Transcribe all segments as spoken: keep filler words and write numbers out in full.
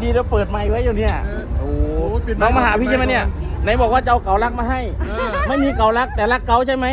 ดีเราเปิดไมค์ไว้อยู่เนี่ยโอ้น้องมาหาพี่ใช่ไหมเนี่ยไหนบอกว่าจะเอาเก๋าลักมาให้ไม่มีเก๋าลักแต่รักเก๋าใช่ไหม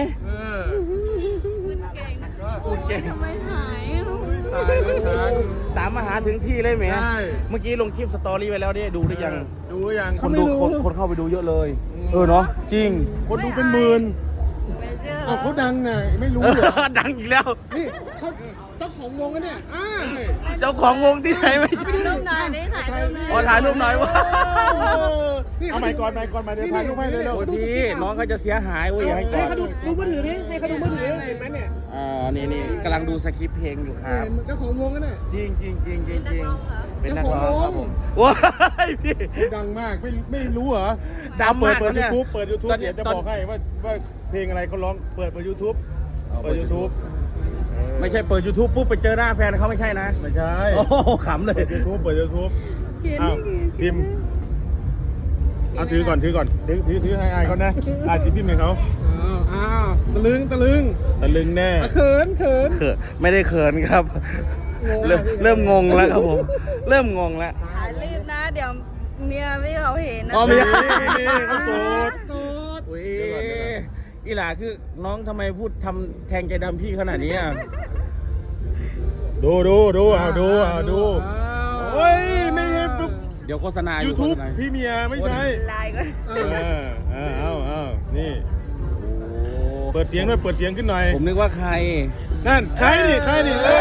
พูดเก่งทำไมหายตายแล้วฉันตามมาหาถึงที่เลยไหมใช่เมื่อกี้ลงคลิปสตอรี่ไว้แล้วเนี่ยดูหรือยังดูยังคนดูคนคนเข้าไปดูเยอะเลยเออเนาะจริงคนดูเป็นหมื่นไม่เชื่อเอาเขาดังน่ะไม่รู้เอเหรออดังอีกแล้วนี่เขาเจ้าของวงกันเนี่ยอ่าเจ้าของวงที่ไหนไม่ถ่ายรูปหน่อยดิถ่ายรูปหน่อยขอถ่ายรูปหน่อยวะเอาไมค์ก่อนไมค์ก่อนมาเดี๋ยวถ่ายรูปให้เลยเร็วโอ้ทีน้องเขาจะเสียหายเว้ยอย่าให้ก่อนเขาดูดูมือถือนี่ให้เขาดูมือถือเห็นไหมเนี่ยอ่านี่นี่กำลังดูสคริปต์เพลงอยู่ครับเจ้าของวงกันเนี่ยจริงจริงจริงจริงเป็นนักร้องเหรอเป็นนักร้องครับผมว้ายพี่ดังมากไม่ไม่รู้เหรอดังเปิมาดกเปิดเนี่ยูยทูบเปิดยูทูบตอนนี้เดี๋ยวจะตอนบอกให้ว่าว่าเพลงอะไรเขาร้องเปิดเปิดยูทูบเปิดยูทูบไม่ใช่เปิด YouTube ปุ๊บไปเจอหน้าแฟนเขาไม่ใช่นะไม่ใช่โอ้โหขำเลยเปิดยูทูบเปิดยูทูบเขียนอ้าวนี่พิมพ์เอาถือก่อนถือก่อนถือถือถือให้อายเขานะอายสิพิมพ์ให้เขาอ้าวอ้าวตะลึงตะลึงตะลึงแน่เขินเขินเขินไม่ได้เขินครับงงเริ่มเริ่มงงแล้วครับผมเริ่มงงแล้วถ่ายรีบนะ เดี๋ยวเมียไม่เขาเห็นนะอ๋อเมียนี่เขาโสดโสดอุ้ยอีหล่าคือน้องทำไมพูดทำแทงใจดำพี่ขนาดนี้อ่ะดูดูดูเอาดูเอาดูโอ้ยไม่เห็นปุ๊บเดี๋ยวโฆษณายูอยู่ทูบโฆษณาพี่เมียไม่ใช่ไลน์ก็เออเออเอาเอานี่โอ้เปิดเสียงด้วยเปิดเสียงขึ้นหน่อยผมนึกว่าใครนั่นใครดิใครดิเออ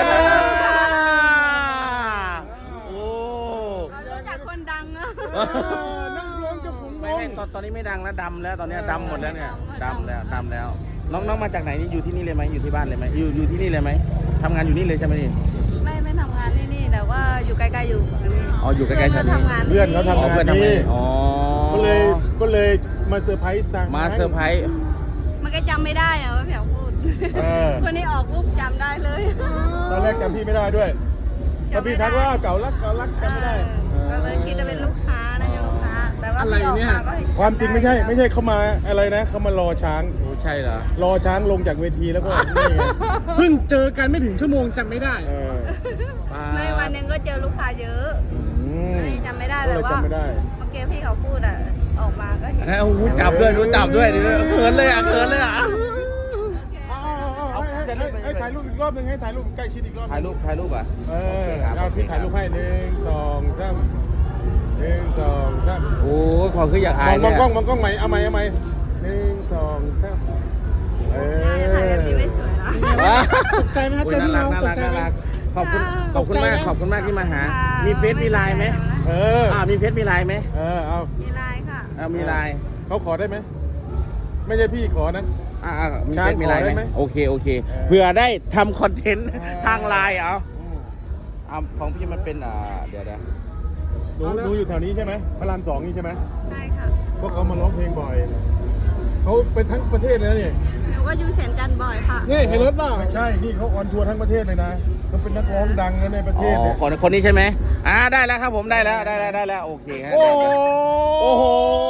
โอ้เรารู้จักคนดังนะนักร้องเจ้าของวไม่งไม่ตอนตอนนี้ไม่ดังแล้วดำแล้วตอนนี้ดำหมดแล้วเนี่ยดำแล้วดำแล้ว น้องน้องมาจากไหนนี่อยู่ที่นี่เลยไหมอยู่ที่บ้านเลยไหมอยู่อยู่ที่นี่เลยไหมทำงานอยู่นี่เลยใช่ไหมนี่ไม่ไม่ทำงานที่นี่แต่ว่าอยู่ใกล้ๆอยู่ฝั่งนี้อ๋ออยู่ใกล้ๆแถวนี้ทำงานเพื่อนเขาอ๋อทำงาเพื่อนนทำนี่งานอ๋อก็เลยก็เลยมาเซอร์ไพรส์สั่งมาเซอร์ไพรส์มันก็จำไม่ได้อะว่าเผียวพูดเออคนนี้ออกรูปจำได้เลยตอนแรกจำพี่ไม่ได้ด้วยพอพี่ทักว่าเก่ารักเก่ารักจำไม่ได้เออก็เลยคิดว่าเป็นลูกค้านะยังลูกค้า แต่ว่าพี่ออกมาก็เห็นความจริงไม่ใช่ไม่ใช่เขามาอะไรนะเขามารอช้างโอ้ใช่เหรอรอช้างลงจากเวทีแล้วก็นี่ไงเพิ่งเจอกันไม่ถึงชั่วโมงจำไม่ได้เออในวันหนึงก็เจอลูกค้าเยอะอืมไม่จำไม่ได้ก็แต่เลยว่าจำไม่ได้เมื่อกี้พี่เขาพูดอ่ะ ออกมาก็เห็นเอ้ารู้จับด้วยรู้จับด้วยเดี๋ยวเขินเลยอ่ะเขินเลยอ่ะเอาให้ให้ให้ถ่ายรูปอีกรอบหนึ่งให้ถ่ายรูปใกล้ชิดอีกรอบถ่ายรูปถ่ายรูปอ่ะเออเอาพี่ถ่ายรูปให้หนึ่งสองสามหนึ่งสองสามโอ้ยขอคืออยากมอาอย งมเนี่องยกล้องมองกล้องใหม่เอาใหม่เอาใหม่หนึ่งสองสามเออน่าจะถ่ายแบบนี้ไม่สวยนะตกใจไหมครับเจอพี่น้องตกใจไหมขอบคุณขอบคุณมากขอบคุณมากที่มาหาค่ะมีเฟซมีไลน์ไหมเอออ่ามีเฟซมีไลน์ไหมเออเอามีไลน์ค่ะอ่ามีไลน์เขาขอได้ไหมไม่ใช่พี่ขอนะอ่าอ่ามีช้างเฟซมีไลน์ขอได้ไหไหมมโอเคโอเคเออเผื่อได้ทำคอนเทนต์เออทางไลน์เอาอ่าของพี่มันเป็นอ่าเดี๋ยวเดี๋ยวหนูหนูอยู่แถวนี้ใช่ไหมพระรามสองนี่ใช่ไหมใช่ค่ะเพราะเขามาร้องเพลงบ่อยเขาไปทั้งประเทศเลยนะนี่หนูก็อยู่แสนจันทร์บ่อยค่ะนี่เห็นรถเปล่าใช่นี่เขาออนทัวร์ทั้งประเทศเลยนะเขาเป็นนักร้องดังนะในประเทอ๋ศอเนี่ยคนคนนี้ใช่ไหมอ่าได้แล้วครับผมได้แล้วได้แล้วได้แล้วโอเคฮะโอ้โอ้โห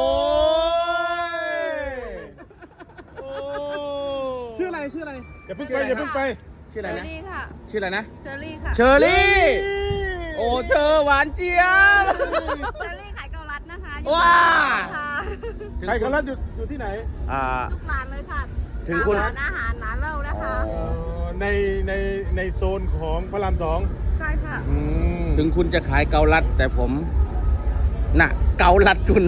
ชื่ออะไรชื่ออะไรอย่าเพิ่งไปอย่าเพิ่งไปชื่ออะไรเชอนะรี่ค่ะชื่ออะไรนะเชอรี่ค่ะเชอรี่ โอ้เธอหวานเจี๊ยบเชอรี่ขายเกาลัดนะคะว้าค่ะใครเขาลัดอยู่อยู่ที่ไหนอ่าทุกร้านเลยค่ะถึงคุณตามร้านอาหารร้านเหล้านะคะเอ่อในในในโซนของพระรามสองใช่ค่ะอืมถึงคุณจะขายเกาลัดแต่ผม น่ะ เกาลัดคุณ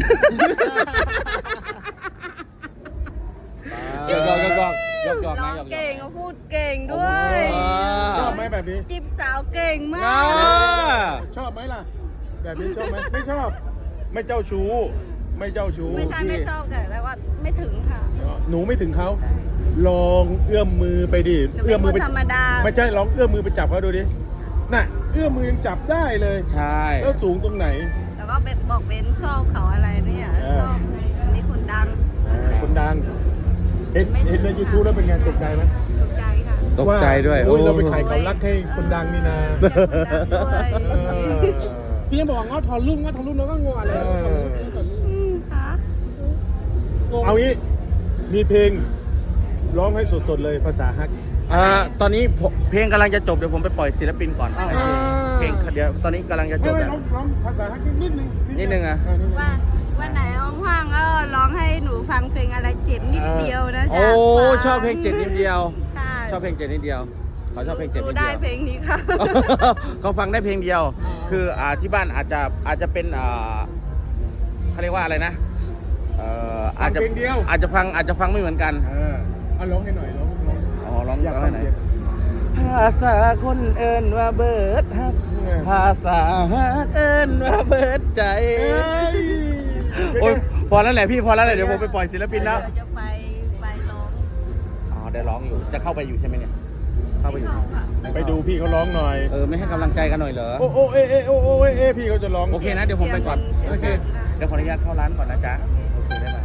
หยอกหยอกหยอกหยอกหยอกหยอกร้นะองหยอกหยอกเก่งก็พูดเก่งด้วยโอ้ชอบไหมแบบนี้จีบสาวเก่งมาอ่ากชอบไหมล่ะ แบบนี้ชอบไหมไม่ชอบ ไม่เจ้าชู้ ไม่เจ้าชู้ไม่ใช่ไม่ชอบแต่แต่ว่าไม่ถึงค่ะหนูไม่ถึงเขาใช่ลองเอื้อมมือไปดิหนูเป็นคนธรรมดาไม่ใช่ลองเอื้อมมือไปจับเขาดูดิ น่ะ เอื้อมมือยังจับได้เลยใช่แล้วสูงตรงไหนแล้วก็เป็นบอกเบนชอบเขาอะไรเนี่ยเออชอบนี่คนดังคนดัง เห็นเห็นใน ยูทูบ แล้วเป็นไงตกใจไหมตกใจค่ะตกใจด้วยโอ้ยเราไปโอ้ขายเขารักให้คนดังนี่นะเออจากคนดังด้วยเออพี่ยังบอกว่าเงาถอนลูกเงาถอนลูกเราก็งงอะไรเอออืมค่ะเอางี้ มีเพลงร้องให้สดๆเลยภาษาฮักอ่าตอนนี้ผมเพลงกำลังจะจบเดี๋ยวผมไปปล่อยศิลปินก่อนอ่าเพลงเดี๋ยวตอนนี้กำลังจะจไม่บไม่แล้วร้องร้องภาษาฮักนิดนึงนิดนึงอะเนิดนึงว่าวันไหนว่างๆก็ร้องให้หนูฟังเพลงอะไรเจ็บนิดเดียวนะโอ้จ๊ะชอบเพลงเจ็ดนิดเดียวค่ะชอบเพลงเจ็ดนิดเดียวเขาชอบเพลงเจ็ดหนูนิดได้เดียวเพลงนี้ค่ะเขาฟังได้เพลงเดียว คืออ่าที่บ้านอาจจะอาจจะเป็นอ่าเขาเรียกว่าอะไรนะเอ่ออาจจะอาจจะฟังอาจจะฟังไม่เหมือนกันเออเอาร้องให้หน่อยร้องร้องอ๋อร้องอยากร้องฟัให้งไหนเสียงภาษาคนเอิญว่าเบิดฮักเออภาษาฮักเอิญว่าเบิดใจเอ้ยโอ้ยพอแล้วแหละพี่พอแล้วแหละเดี๋ยวผมไปปล่อยศิลปินแล้วเดี๋ยวจะไปไปร้องอ๋อได้ร้องอยู่จะเข้าไปอยู่ใช่ไหมเนี่ยเข้าไปอยู่ม่ค่ะไปดูพี่เขาร้องหน่อยเออไม่ให้กำลังใจกันหน่อยเหรอโอ้โอ้เอเอโอ้โอ้เอเอพี่เขาจะร้องโอเคนะเดี๋ยวผมไปก่อนสียงโอเคสียงดังเดี๋ยวขออนุญาตเข้าร้านก่อนนะจ๊ะโอเคได้ไหม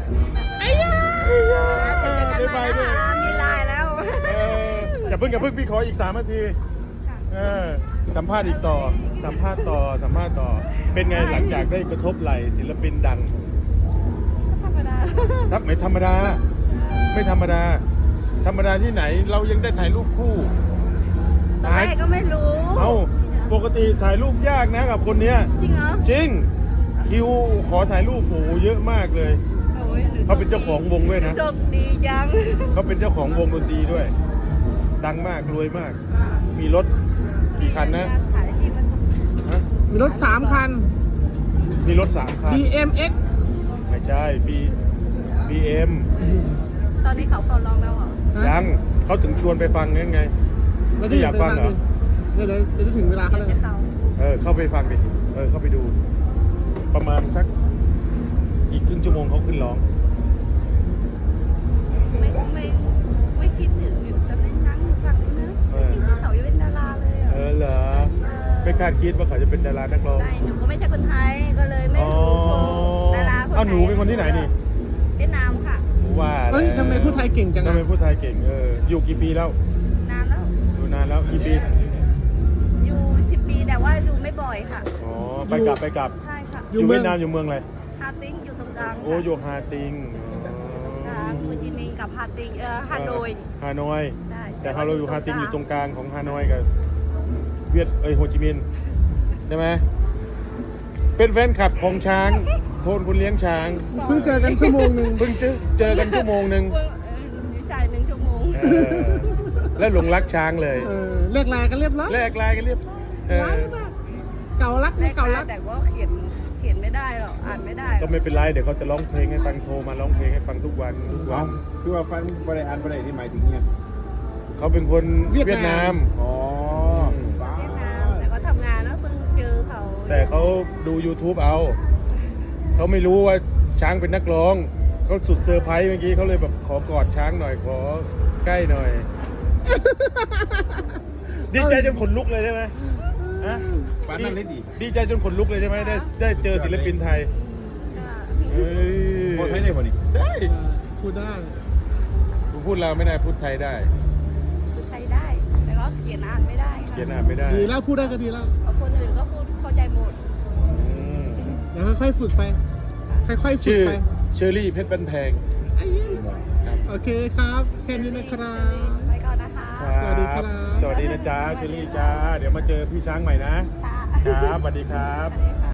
เจอกันใหม่นะคะมีไลน์แล้วเอออย่าเพิ่งอย่าเพิ่งพี่ขออีกสามนาทีเออสัมภาษณ์อีกต่อ สัมภาษณ์ต่อสัมภาษณ์ต่อ เป็นไงหลังจากได้กระทบไหลศิลปินดังธรรมดาครับไม่ธรรมดา ไม่ธรรมดา ธรรมดาที่ไหนเรายังได้ถ่ายรูปคู่ตอนแรกก็ไม่รู้เอ้าปกติถ่ายรูปยากนะกับคนเนี้ยจริงเหรอจริง คิวขอถ่ายรูปโอ้โหเยอะมากเลยโอ้ยหเขาเป็นเจ้าของวงด้วยนะโชคดีจังเขาเป็นเจ้าของวงดนตรีด้วย ดังมากรวยมาก มีรถกี่คันนะขายที่มันฮะมีรถสามคันมีรถสามคันบี เอ็ม เอ็กซ์ไม่ใช่บีบีเอ็มตอนนี้เขาเขาร้องแล้วเหรอยังเขาถึงชวนไปฟังนั่นไงแล้วไม่อยากฟังเหรอเดี๋ยวเดี๋ยวเดี๋ยวจะถึงเวลาเขาเดี๋ยวแล้วจะเขาเออเข้าไปฟังดิเออเข้าไปดู ประมาณสักอีกครึ่งชั่วโมงเขาขึ้นร้องไม่ไม่ไม่คิดถึงอยู่ตอนนี้นั่งฟังนะไม่คิดว่าเขาจะเป็นดาราเลยอ่ะเออเหรอไม่คาดคิดว่าเขาจะเป็นดารานักร้องใช่หนูก็ไม่ใช่คนไทยก็เลยไม่อ๋อรู้ดาราคนไหนอ้าวหนูเป็นคนที่ไหนนี่เวียดนามค่ะว่าเอ้ยทำไมพูดไทยเก่งจังทำอะไมพูดไทยเก่งเอออยู่กี่ปีแล้วนานแล้วอยู่นานแล้วกี่ปีอยู่สิบปีแต่ว่าอยู่ไม่บ่อยค่ะอ๋อไปกลับไปกลับใช่ค่ะอยู่เวียดนามอยู่เมืองอะไรฮาติงอยู่ตรงกลางโอ้อยู่ฮาติงกลางโฮจิมินห์กับฮาติงเออฮานอยฮานอยใช่แต่เราอยู่ฮาติงอยู่ตรงกลางของฮานอยกับเวียดเอ้ยโฮจิมินห์ใช่ไหมเป็นแฟนคลับของช้างโทนคุณเลี้ยงช้างเพิ่งเจอกันชั่วโมงหนึ่งเพิ่งเจอเจอกันชั่วโมงหนึ่งเอออยู่ชายหนึ่งชั่วโมงเออแล้วหลงรักช้างเลยเออเลิกลากันเรียบร้อยแลกลายกันเรียบร้อยเออร้ายมาก เก่ารักไม่เก่ารักแต่ว่าเขียนเขียนไม่ได้หรอกอ่านไม่ได้หรก็อกไม่เป็นไรเดี๋ยวเขาจะร้องเพลงให้ฟังโทรมาร้องเพลงให้ฟังทุกวันทุกวัเอานคือว่าฟันบริอันบริที่หมายถึงเนี่ยเขาเป็นคนเวีเวียยดดนานาม มอ๋อเวียดนามแต่ก็ทำงานแล้วเพิ่งเจอเขาแต่เขาดู YouTube เอา เขาไม่รู้ว่าช้างเป็นนักร้อง เขาสุดเซอร์ไพรส์เมื่อกี้เขาเลยแบบขอกอดช้างหน่อยขอใกล้หน่อย ดีใจจนขนลุกเลยใช่ไหมฮะฟันนั่นเลยดิดีใจจนขนลุกเลยใช่ไหมได้ได้เจอศิลปินไทยค่ะเฮ้ยโคตรไทยได้ป่ะนี่ได้พูดได้ผมพูดลาวไม่ได้พูดไทยได้พูดไทยได้ แต่ก็เขียนอ่านไม่ได้ค่ะเขียนอ่านไม่ได้ดีแล้วพูดได้ก็ดีแล้วเพราะคนอื่นก็พูดเข้าใจหมดอืมเดี๋ยวค่อยๆฝึกไป ค่อยๆฝึกชื่อไปเชอรี่เพชรบันแพงไอ้เหี้ยโอเคครับ แค่นี้นะครับไปก่อนนะคะสวัสดีครับสวัสดีนะจ๊ะเชอรี่จ้า เดี๋ยวมาเจอพี่ช้างใหม่นะค่ะครับสวัสดีครับสวัสดีค่ะ